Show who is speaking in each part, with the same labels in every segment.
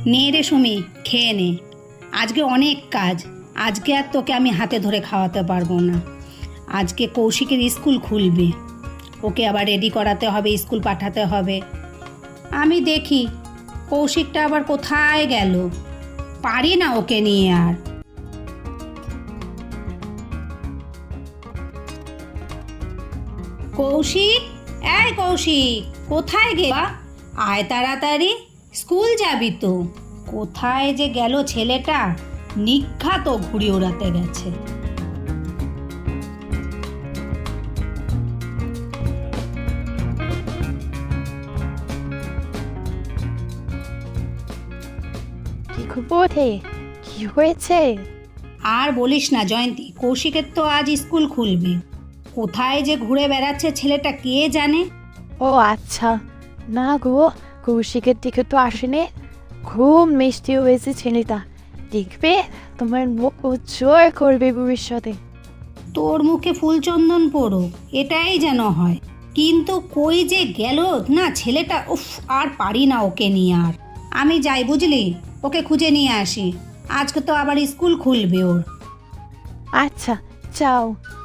Speaker 1: নে রে সুমি, খেয়ে নে। আজকে অনেক কাজ, আজকে আর তোকে আমি হাতে ধরে খাওয়াতে পারবো না। আজকে কৌশিকের স্কুল খুলবে, ওকে আবার রেডি করাতে হবে, স্কুল পাঠাতে হবে। আমি দেখি কৌশিকটা আবার কোথায় গেল, পারি না ওকে নিয়ে আর। কৌশিক, এই কৌশিক, কোথায় গেলা? আয় তাড়াতাড়ি, স্কুল যাবি তো। কোথায় যে গেল ছেলেটা, নিঘাত ঘুড়ি ওড়াতে গেছে।
Speaker 2: কি খবর হে? কি হয়েছে?
Speaker 1: আর বলিস না জয়ন্তী, কৌশিকের তো আজ স্কুল খুলবে। কোথায় যে ঘুরে বেড়াচ্ছে ছেলেটা কে জানে।
Speaker 2: ও আচ্ছা, না গো, কৌশিকের দিকে তো আসেনি। খুব মিষ্টি হয়েছে ছেলেটা, দেখবে তোমার মুখ উজ্জ্বল করবে ভবিষ্যতে।
Speaker 1: তোর মুখে ফুলচন্দন পড়ো, এটাই যেন হয়। কিন্তু কই যে গেল না ছেলেটা, উফ, আর পারি না ওকে নিয়ে আর। আমি যাই বুঝলি, ওকে খুঁজে নিয়ে আসি। আজকে তো আবার স্কুল খুলবে ওর।
Speaker 2: আচ্ছা, যাও।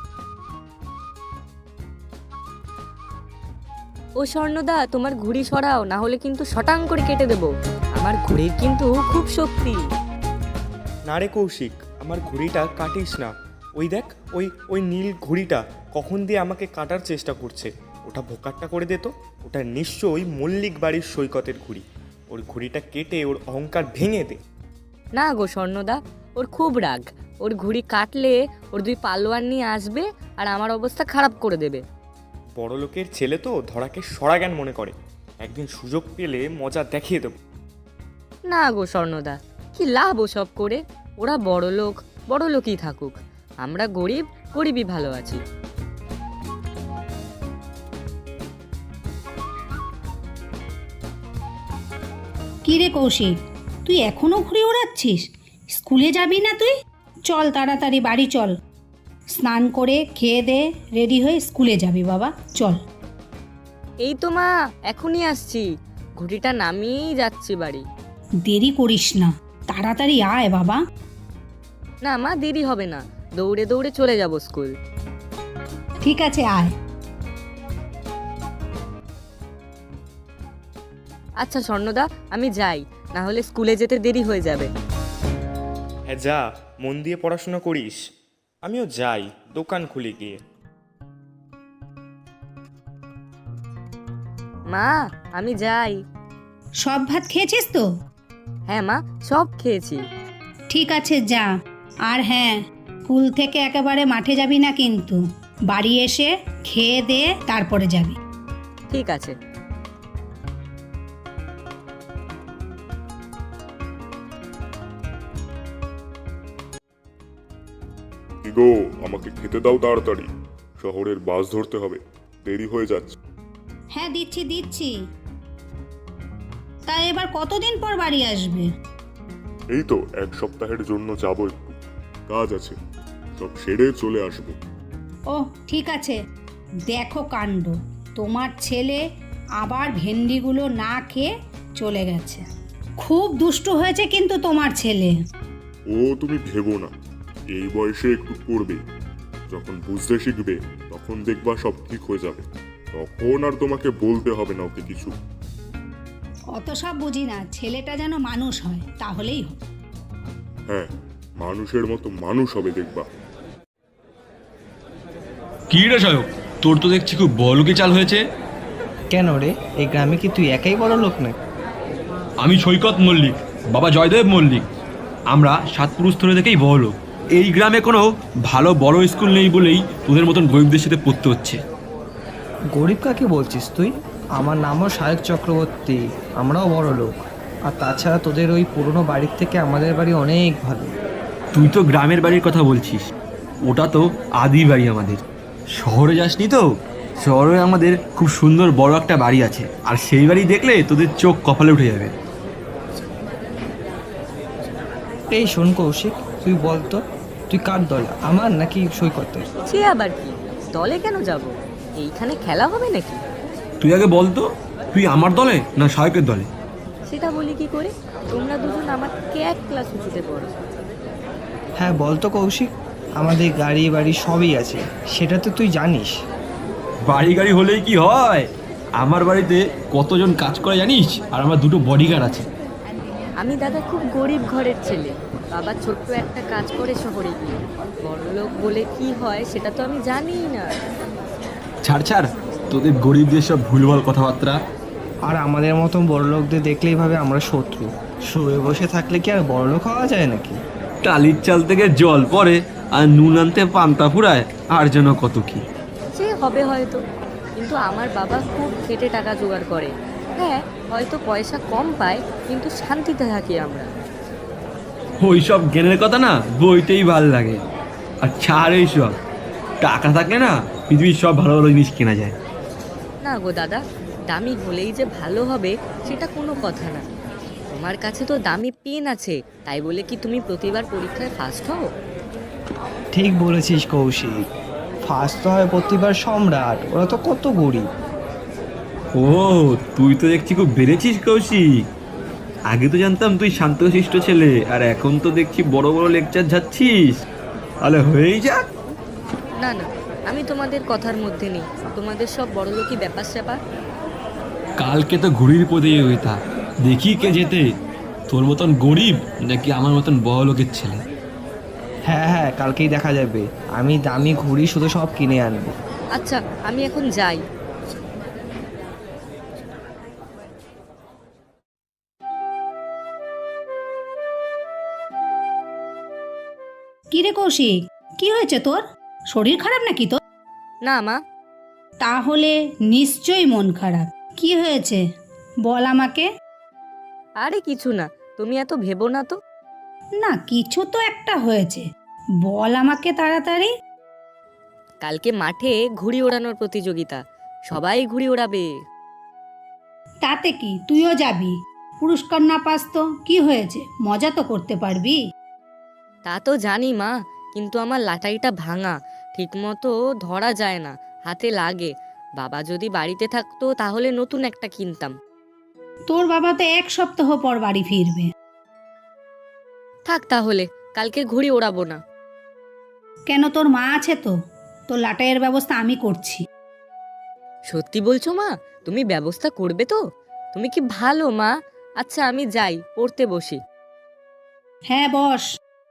Speaker 3: ও স্বর্ণদা, তোমার ঘুড়ি সরাও, না হলে কিন্তু শটাং করে কেটে দেবো। আমার ঘুড়ির কিন্তু খুব শক্তি।
Speaker 4: না রে কৌশিক, আমার ঘুড়িটা কাটিস না। ওই দেখ, ওই ওই নীল ঘুড়িটা কখন দিয়ে আমাকে কাটার চেষ্টা করছে। ওটা ভোকাট্টা করে দে তো। ওটা নিশ্চয়ই মল্লিক বাড়ির সৈকতের ঘুড়ি। ওর ঘুড়িটা কেটে ওর অহংকার ভেঙে দে।
Speaker 3: না গো স্বর্ণদা, ওর খুব রাগ। ওর ঘুড়ি কাটলে ওর দুই পালোয়ান নিয়ে আসবে আর আমার অবস্থা খারাপ করে দেবে।
Speaker 4: বড় লোকের ছেলে তো ধরাকে সরাজ্ঞান মনে করে। একদিন সুযোগ পেলে মজা দেখিয়ে দেবো।
Speaker 3: না গো স্বর্ণদা, কি লাভ ওসব করে? ওরা বড় লোকই থাকুক, আমরা গরিব, গরিবই ভালো আছি।
Speaker 1: কি রে কৌশিক, তুই এখনো ঘুরে ওড়াচ্ছিস? স্কুলে যাবি না তুই? চল তাড়াতাড়ি বাড়ি চল, স্নান করে খেয়ে দে, রেডি হয়ে স্কুলে যাবি বাবা, চল।
Speaker 3: এই তো মা, এখনই আসছি। ঘুড়িটা নামিয়েই যাচ্ছি বাড়ি।
Speaker 1: দেরি করিস না, তাড়াতাড়ি আয় বাবা।
Speaker 3: না মা, দেরি হবে না, দৌড়ে দৌড়ে চলে যাব স্কুল।
Speaker 1: ঠিক আছে, আয়।
Speaker 3: আচ্ছা স্বর্ণদা, আমি যাই, না হলে স্কুলে যেতে দেরি হয়ে যাবে।
Speaker 4: হ্যাঁ যা, মন দিয়ে পড়াশোনা করিস। আমিও যাই, দোকান খুলে গিয়ে।
Speaker 3: মা, আমি যাই।
Speaker 1: সব ভাত খেয়েছিস তো?
Speaker 3: হ্যাঁ মা, সব খেয়েছি।
Speaker 1: ঠিক আছে, যা। আর হ্যাঁ, স্কুল থেকে একেবারে মাঠে যাবি না কিন্তু, বাড়ি এসে খেয়ে দে তারপরে যাবি।
Speaker 3: ঠিক আছে।
Speaker 5: কি গো, আমাকে খেতে দাও তাড়াতাড়ি, শহরের বাস ধরতে হবে, দেরি হয়ে যাচ্ছে।
Speaker 1: হ্যাঁ দিচ্ছি দিচ্ছি। তা এবার কতদিন পর বাড়ি আসবে?
Speaker 5: এই তো 1 সপ্তাহের জন্য যাব, একটু কাজ আছে, সব সেরে চলে আসবো।
Speaker 1: ও ঠিক আছে। দেখো কাণ্ড, তোমার ছেলে আবার ভেন্ডিগুলো না খেয়ে চলে গেছে। খুব দুষ্ট হয়েছে কিন্তু তোমার ছেলে।
Speaker 5: ও তুমি ভেবো না, এই বয়সে একটু করবে, যখন বুঝতে শিখবে তখন দেখবা সব ঠিক হয়ে যাবে। তখন আর তোমাকে বলতে হবে না ওকে কিছু।
Speaker 1: অত সব বুঝি না, ছেলেটা যেন মানুষ হয়, তাহলেই হবে।
Speaker 5: হ্যাঁ, মানুষের মতো মানুষ হবে দেখবা।
Speaker 6: কি রে সায়ক, তোর তো দেখছি খুব বড়লোকি চাল হয়েছে।
Speaker 7: কেন রে, এই গ্রামে কি তুই একাই বড় লোক না?
Speaker 6: আমি সৈকত মল্লিক, বাবা জয়দেব মল্লিক। আমরা 7 পুরুষ ধরে দেখেই বড় লোক। এই গ্রামে কোনো ভালো বড় স্কুল নেই বলেই তোদের মতন গরিবদের সাথে পড়তে হচ্ছে।
Speaker 7: গরিব কাকে বলছিস তুই? আমার নামও সায়ক চক্রবর্তী, আমরাও বড় লোক। আর তাছাড়া তোদের ওই পুরনো বাড়ির থেকে আমাদের বাড়ি অনেক ভালো।
Speaker 6: তুই তো গ্রামের বাড়ির কথা বলছিস, ওটা তো আদি বাড়ি আমাদের। শহরে যাসনি তো? শহরে আমাদের খুব সুন্দর বড় একটা বাড়ি আছে, আর সেই বাড়ি দেখলে তোদের চোখ কপালে উঠে যাবে।
Speaker 7: এই শোন কৌশিক, তুই বলতো তুই কার দল, আমার নাকি সৈকতের?
Speaker 3: সে আবার কি, দলে কেন যাব? এইখানে খেলা হবে নাকি?
Speaker 6: তুই আগে বল তো, তুই আমার দলে না সায়কের দলে?
Speaker 3: সেটা বলি কি করে? তোমরা দুজন আমার থেকে এক ক্লাস উঁচুতে পড়ো।
Speaker 7: হ্যাঁ বল তো কৌশিক, আমাদের গাড়ি বাড়ি সবই আছে, সেটা তো তুই জানিস।
Speaker 6: বাড়ি গাড়ি হলেই কি হয়, আমার বাড়িতে কতজন কাজ করে জানিস? আর আমার 2টো বডিগার্ড আছে।
Speaker 3: আমি দাদা খুব গরিব ঘরের ছেলে। বাবা ছোট্ট একটা কাজ করে শহরে গিয়ে। বড়লোক বলে কি হয় সেটা তো আমি জানিই না।
Speaker 6: ছাড় ছাড়, তোদের গরিবদের সব ভুলভাল কথাবার্তা।
Speaker 7: আর আমাদের মতন বড়লোকদের দেখলেই ভাবে আমরা শত্রু। শুয়ে বসে থাকলে কি আর বড়লোক হওয়া যায় নাকি?
Speaker 6: টালির চাল থেকে জল পড়ে আর নুন আনতে পান্তা ফুরায়, আর যেন কত কি।
Speaker 3: সে হবে হয়তো, কিন্তু আমার বাবা খুব খেটে টাকা জোগাড় করে। হ্যাঁ, হয়তো পয়সা কম পায়, কিন্তু শান্তিতে থাকি আমরা।
Speaker 6: ওই সব জ্ঞানের কথা না বইতেই ভাল লাগে। আর ছাড় এইসব, টাকা থাকলে না পৃথিবীর সব ভালো ভালো জিনিস কেনা যায়।
Speaker 3: না গো দাদা, দামি হলেই যে ভালো হবে সেটা কোনো কথা না। তোমার কাছে তো দামি পেন আছে, তাই বলে কি তুমি প্রতিবার পরীক্ষায় ফার্স্ট হও?
Speaker 7: ঠিক বলেছিস কৌশিক, ফার্স্ট তো হয় প্রতিবার সম্রাট, ওরা তো কত গরিব।
Speaker 6: ও, তুই তো দেখছি খুব বেড়েছিস কৌশিক। আগে তো জানতাম তুই শান্তশিষ্ট ছেলে, আর এখন তো দেখছি বড় বড় লেকচার যাচ্ছিস। তাহলে হয়েই যাক।
Speaker 3: না না, আমি তোমাদের কথার মধ্যে নেই। তোমাদের সব বড়লোকই ব্যাপার স্যাপার।
Speaker 6: কালকে তো ঘুড়ির প্রতিযোগিতা, দেখি কে যেতে, তোর মতন গরিব নাকি আমার মতন বড় লোকের ছেলে।
Speaker 7: হ্যাঁ হ্যাঁ, কালকেই দেখা যাবে। আমি দামি ঘুড়ি শুধু সব কিনে আনবো।
Speaker 3: আচ্ছা, আমি এখন যাই।
Speaker 1: কি রে কৌশিক, কি হয়েছে তোর? শরীর খারাপ নাকি তোর?
Speaker 3: না মা,
Speaker 1: তাহলে নিশ্চয়ই মন খারাপ। কি হয়েছে বল আমাকে।
Speaker 3: আরে কিছু না, তুমি এত ভেবো না তো।
Speaker 1: না, কিছু তো একটা হয়েছে, বল আমাকে তাড়াতাড়ি।
Speaker 3: কালকে মাঠে ঘুড়ি ওড়ানোর প্রতিযোগিতা, সবাই ঘুড়ি ওড়াবে।
Speaker 1: তাতে কি, তুইও যাবি? পুরস্কার না পাস তো কি হয়েছে, মজা তো করতে পারবি।
Speaker 3: তা তো জানি মা, কিন্তু আমার লাটাইটা ভাঙা, ঠিকমতো ধরা যায় না, হাতে লাগে। বাবা যদি বাড়িতে থাকতো তাহলে নতুন একটা কিনতাম।
Speaker 1: তোর বাবা তো 1 সপ্তাহ পর বাড়ি ফিরবে।
Speaker 3: থাক তাহলে, কালকে ঘুড়ি ওড়াবো না।
Speaker 1: কেন, তোর মা আছে তো, তোর লাটাইয়ের ব্যবস্থা আমি করছি।
Speaker 3: সত্যি বলছো মা? তুমি ব্যবস্থা করবে তো? তুমি কি ভালো মা। আচ্ছা আমি যাই, পড়তে বসি।
Speaker 1: হ্যাঁ বস।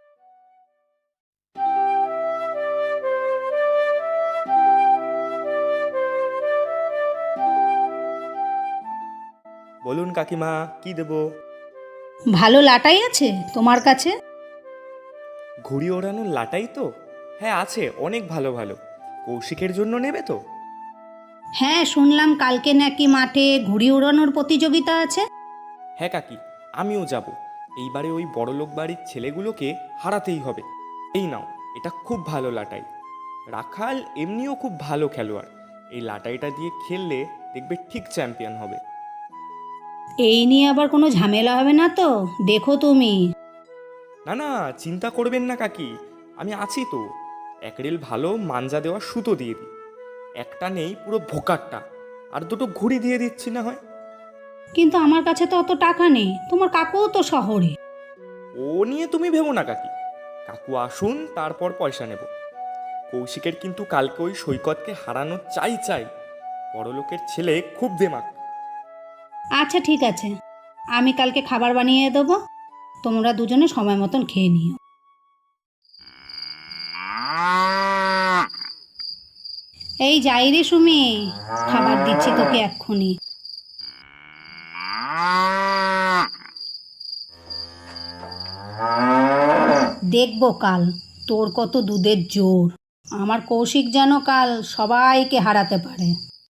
Speaker 4: বলুন কাকিমা, কি দেবো?
Speaker 1: ভালো লাটাই আছে তোমার কাছে?
Speaker 4: ঘুড়ি ওড়ানোর লাটাই তো? হ্যাঁ আছে, অনেক ভালো ভালো। কৌশিকের জন্য নেবে তো?
Speaker 1: হ্যাঁ, শুনলাম কালকে নাকি মাঠে ঘুড়ি উড়ানোর প্রতিযোগিতা আছে।
Speaker 4: হ্যাঁ কাকি, আমিও যাব। এইবারে ওই বড়লোক বাড়ির ছেলেগুলোকে হারাতেই হবে। এই নাও, এটা খুব ভালো লাটাই। রাখাল এমনিও খুব ভালো খেলোয়াড়। এই লাটাইটা দিয়ে খেললে দেখবে ঠিক চ্যাম্পিয়ন হবে।
Speaker 1: এই নিয়ে আবার কোনো ঝামেলা হবে না তো? দেখো তুমি।
Speaker 4: না না, চিন্তা করবেন না কাকি, আমি আছি তো। 1 রেল ভালো মাঞ্জা দেওয়া সুতো দিয়ে দিই। একটা নেই পুরো ভোকারটা, আর 2টো ঘুড়ি দিয়ে দিচ্ছি না হয়।
Speaker 1: কিন্তু আমার কাছে তো অত টাকা নেই, তোমার কাকুও তো শহরে।
Speaker 4: ও নিয়ে তুমি ভেবো না কাকি, কাকু আসুন তারপর পয়সা নেব। কৌশিকের কিন্তু কালকে ওই সৈকতকে হারানো চাই চাই। বড়লোকের ছেলে খুব দেমাক।
Speaker 1: আচ্ছা ঠিক আছে, আমি কালকে খাবার বানিয়ে দেবো, তোমরা দুজনে সময় মতন খেয়ে নিও। এই যাই রে সুমি, খাবার দিচ্ছি তোকে এক্ষুনি। দেখবো কাল তোর কত দুধের জোর। আমার কৌশিক যেন কাল সবাইকে হারাতে পারে।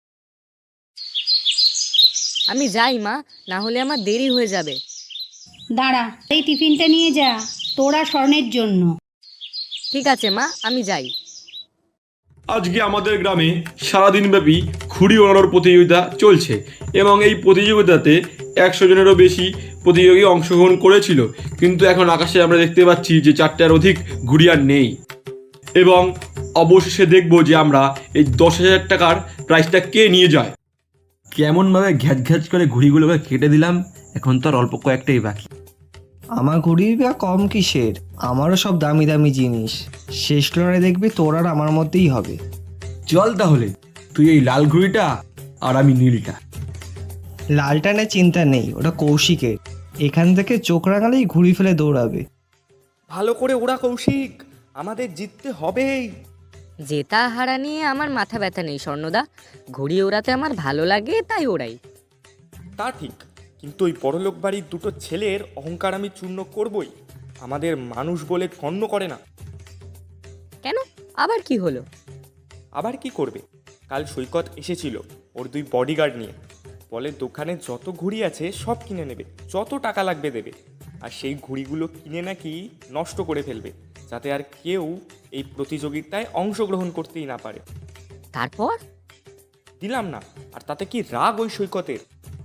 Speaker 3: আমি যাই মা, না হলে আমার দেরি হয়ে যাবে।
Speaker 1: দাঁড়া, এই টিফিনটা নিয়ে যা, তোরা স্বর্ণের জন্য।
Speaker 3: ঠিক আছে মা, আমি যাই।
Speaker 6: আজকে আমাদের গ্রামে সারাদিনব্যাপী ঘুড়ি ওড়ানোর প্রতিযোগিতা চলছে এবং এই প্রতিযোগিতাতে 100 জনেরও বেশি প্রতিযোগী অংশগ্রহণ করেছিল, কিন্তু এখন আকাশে আমরা দেখতে পাচ্ছি যে 4টার অধিক ঘুড়ি আর নেই। এবং অবশেষে দেখব যে আমরা এই 10,000 টাকার প্রাইজটা কে নিয়ে যায়। কেমনভাবে ঘ্যাচ ঘ্যাচ করে ঘুড়িগুলোকে কেটে দিলাম, এখন তো আর অল্প কয়েকটাই বাকি।
Speaker 7: আমার ঘুড়ির বা কম কিসের, আমারও সব দামি দামি জিনিস। শেষ লড়াই দেখবি তোর আর আমার মধ্যেই হবে।
Speaker 6: চল তাহলে, তুই এই লাল ঘুড়িটা আর আমি নীলটা।
Speaker 7: লালটা নিয়ে চিন্তা নেই, ওটা কৌশিকের। এখান থেকে চোখ রাঙালেই ঘুড়ি ফেলে দৌড়াবে।
Speaker 4: ভালো করে ওরা কৌশিক, আমাদের জিততে হবেই।
Speaker 3: জেতা হারা নিয়ে আমার মাথা ব্যথা নেই স্বর্ণদা, ঘুড়ি ওড়াতে আমার ভালো লাগে তাই ওড়াই।
Speaker 4: তা ঠিক, কিন্তু ওই বড়লোক বাড়ির দুটো ছেলের অহংকার আমি চূর্ণ করবই। আমাদের মানুষ বলে গণ্য করে না।
Speaker 3: কেন, আবার কি হলো?
Speaker 4: আবার কি করবে, কাল সৈকত এসেছিল ওর 2 বডিগার্ড নিয়ে। বলে দোকানে যত ঘুড়ি আছে সব কিনে নেবে, যত টাকা লাগবে দেবে। আর সেই ঘুড়িগুলো কিনে নাকি নষ্ট করে ফেলবে, যাতে আর কেউ এই প্রতিযোগিতায় অংশগ্রহণ করতেই না পারে।
Speaker 3: তারপর?
Speaker 4: দিলাম না, আর তাতে কি রাগ ওই সৈকতের।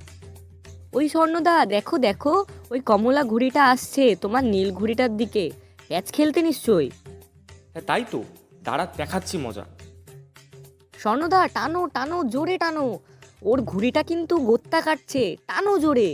Speaker 3: ওই স্বর্ণদা, দেখো দেখো, ওই কমলা ঘুড়িটা আসছে তোমার নীল ঘুড়িটার দিকে। ক্যাচ খেলতে নিশ্চয়ই।
Speaker 4: হ্যাঁ তাই তো, দাঁড়া দেখাচ্ছি মজা।
Speaker 3: স্বর্ণদা টানো টানো, জোরে টানো, ওর ঘুড়িটা কিন্তু গোত্তা কাটছে, টানো জোরে।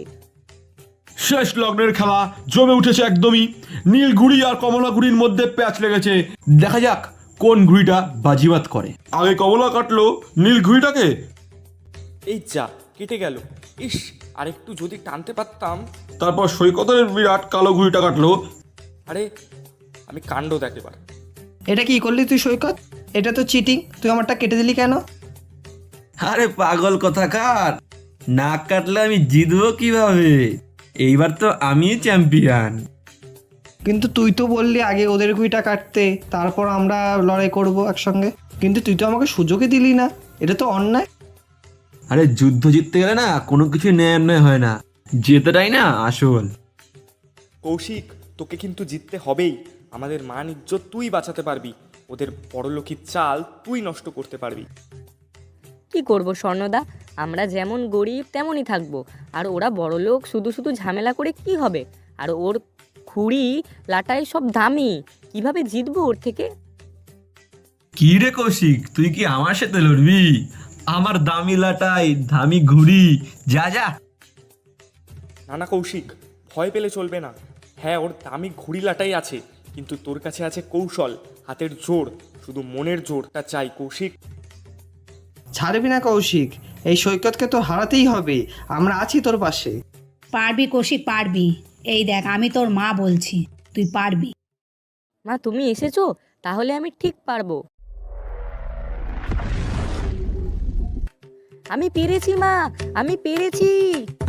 Speaker 6: শেষ লগ্নের খেলা জমে উঠেছে একদমই। নীল ঘুড়ি আর কমলা ঘুড়ির মধ্যে প্যাচ লেগেছে। দেখা যাক কোন ঘুড়িটা বাজিবাত করে। আগে কমলা কাটলো নীল ঘুড়িটাকে।
Speaker 4: এই যা, কেটে গেল। ইস, আর একটু যদি টানতে পারতাম।
Speaker 6: তারপর সৈকতের বিরাট কালো ঘুড়িটা কাটলো।
Speaker 4: আরে আমি কাণ্ড দেখ এবার।
Speaker 7: এটা কি করলি তুই সৈকত? এটা তো চিটিং, তুই আমারটা কেটে দিলি কেন?
Speaker 6: আরে পাগল কথাকার, না কাটলে আমি জিতবো কিভাবে? এইবার তো আমি চ্যাম্পিয়ন।
Speaker 7: কিন্তু তুই তো বললি আগে ওদের ঘুড়িটা কাটতে, তারপর আমরা লড়াই করব একসঙ্গে। কিন্তু তুই তো আমাকে সুযোগই দিলি না, এটা তো অন্যায়।
Speaker 6: আরে যুদ্ধ জিততে গেলে না কোনো কিছু ন্যায় অন্যায় হয় না, জেতাটাই না আসল।
Speaker 4: কৌশিক, তোকে কিন্তু জিততে হবেই। আমাদের মান ইজ্জত তুই বাঁচাতে পারবি, ওদের বড়লোকির চাল তুই নষ্ট করতে পারবি।
Speaker 3: কি করব স্বর্ণদা, আমরা যেমন গরিব তেমনই থাকবো, আর ওরা বড়লোক, শুধু শুধু ঝামেলা করে কি হবে? আর ওর ঘুড়ি লাটাই সব দামি, কিভাবে জিতবো ওর থেকে?
Speaker 6: কি রে কৌশিক, তুই কি আমার সাথে লড়বি? আমার দামি লাটাই, দামি ঘুড়ি, যা যা।
Speaker 4: না না কৌশিক, ভয় পেলে চলবে না। হ্যাঁ, ওর দামি ঘুড়ি লাটাই আছে, কিন্তু তোর কাছে আছে কৌশল, হাতের জোর। শুধু মনের জোরটা চাই কৌশিক।
Speaker 7: ছাড়বি না কৌশিক, এই সৈকতকে তো হারাতেই হবে। আমরা আছি তোর পাশে।
Speaker 1: পারবি কৌশিক, পারবি। এই দেখ, আমি তোর মা বলছি, তুই পারবি।
Speaker 3: মা তুমি এসেছো, তাহলে আমি ঠিক পারবো। আমি পেরেছি মা, আমি পেরেছি।